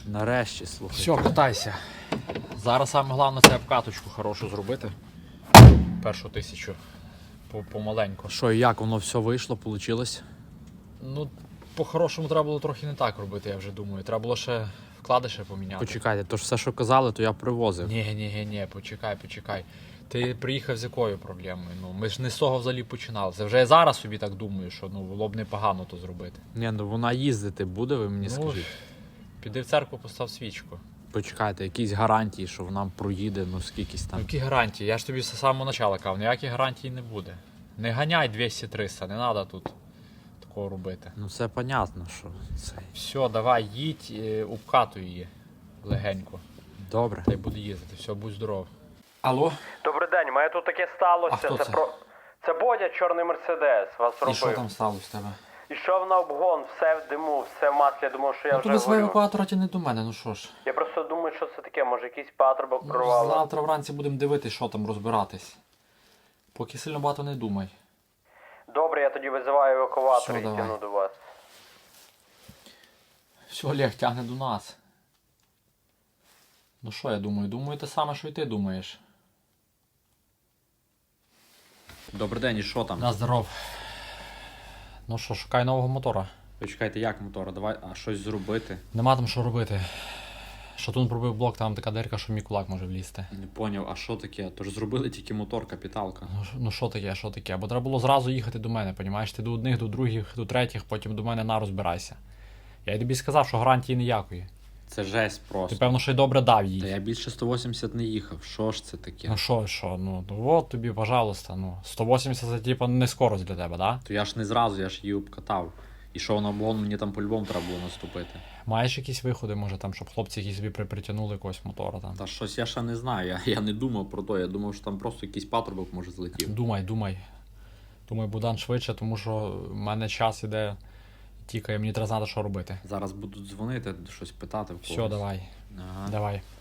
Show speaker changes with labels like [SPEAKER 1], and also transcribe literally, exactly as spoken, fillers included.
[SPEAKER 1] Нарешті, слухай.
[SPEAKER 2] Все, катайся. Зараз саме головне це обкаточку хорошу зробити. Першу тисячу. Помаленьку.
[SPEAKER 1] Що і як воно все вийшло, вийшло?
[SPEAKER 2] Ну, по-хорошому треба було трохи не так робити, я вже думаю. Треба було ще вкладиші поміняти.
[SPEAKER 1] Почекайте, то ж все, що казали, то я привозив.
[SPEAKER 2] Ні, ні, ні, ні, почекай, почекай. Ти приїхав з якою проблемою? Ну, ми ж не з того взагалі починали. Це вже я зараз собі так думаю, що ну, було б непогано то зробити.
[SPEAKER 1] Ні, ну вона їздити буде, ви мені
[SPEAKER 2] Ну,
[SPEAKER 1] скажіть.
[SPEAKER 2] Піди в церкву, постав свічку.
[SPEAKER 1] Почекайте, якісь гарантії, що вона проїде, ну скількись
[SPEAKER 2] Ну,
[SPEAKER 1] там.
[SPEAKER 2] які гарантії? Я ж тобі з самого початку казав, ніяких гарантій не буде. Не ганяй двісті-триста, не треба тут такого робити.
[SPEAKER 1] Ну це понятно, що це.
[SPEAKER 2] Все, давай, їдь, е, обкатуй її легенько.
[SPEAKER 1] Добре.
[SPEAKER 2] Та й буде їздити, все, будь здоров.
[SPEAKER 1] Алло?
[SPEAKER 3] Добрий день, мене тут таке сталося.
[SPEAKER 2] А хто це?
[SPEAKER 3] Про... Це Бодя, чорний мерседес, вас робив.
[SPEAKER 2] І що там сталося в тебе?
[SPEAKER 3] Ішов на обгон, все в диму, все в маслі, я думав, що я
[SPEAKER 2] Ну
[SPEAKER 3] вже
[SPEAKER 2] то без
[SPEAKER 3] горю.
[SPEAKER 2] евакуатора ті не до мене, ну що ж.
[SPEAKER 3] Я просто думаю, що це таке, може якийсь патрубок
[SPEAKER 2] Ну,
[SPEAKER 3] прорвало.
[SPEAKER 2] завтра вранці будемо дивитися, що там розбиратись. Поки сильно багато не думай.
[SPEAKER 3] Добре, я тоді визиваю евакуатор
[SPEAKER 2] Все,
[SPEAKER 3] і
[SPEAKER 2] давай.
[SPEAKER 3] тяну до вас.
[SPEAKER 2] Все, Олег тягне до нас. Ну що я думаю? Думаю те саме, що і ти думаєш.
[SPEAKER 1] Добрий день, і що там?
[SPEAKER 2] На здоров. Ну що, шукай нового мотора.
[SPEAKER 1] Почекайте, як мотора? Давай, а щось зробити?
[SPEAKER 2] Нема там що робити. Шатун пробив блок, там така дирка, що мій кулак може влізти.
[SPEAKER 1] Не поняв, а що таке? Тож зробили тільки мотор, капіталка.
[SPEAKER 2] Ну, ш- ну що таке, що таке? Бо треба було зразу їхати до мене, понімаєш? Ти до одних, до других, до третіх, потім до мене на розбирайся. Я й тобі сказав, що гарантії ніякої.
[SPEAKER 1] Це жесть
[SPEAKER 2] Ти
[SPEAKER 1] просто.
[SPEAKER 2] певно, що й добре дав
[SPEAKER 1] Та
[SPEAKER 2] їй.
[SPEAKER 1] я більше сто вісімдесят не їхав. Що ж це таке?
[SPEAKER 2] Ну що, що, ну, ну от тобі, пожалуйста, ну, сто вісімдесят це типу не скорость для тебе, да?
[SPEAKER 1] То я ж не зразу, я ж її обкатав. І що на обгон, мені там по-любому треба було наступити.
[SPEAKER 2] Маєш якісь виходи, може там, щоб хлопці якісь собі при- притягнули якогось мотора там?
[SPEAKER 1] Та щось я ще не знаю, я, я не думав про то, я думав, що там просто якийсь патрубок може злетів.
[SPEAKER 2] Думай, думай. Думай, Богдан, швидше, тому що в мене час іде, тікає, мені треба знати, що робити.
[SPEAKER 1] Зараз будуть дзвонити, щось питати в когось.
[SPEAKER 2] Все, давай,
[SPEAKER 1] Ага.
[SPEAKER 2] давай.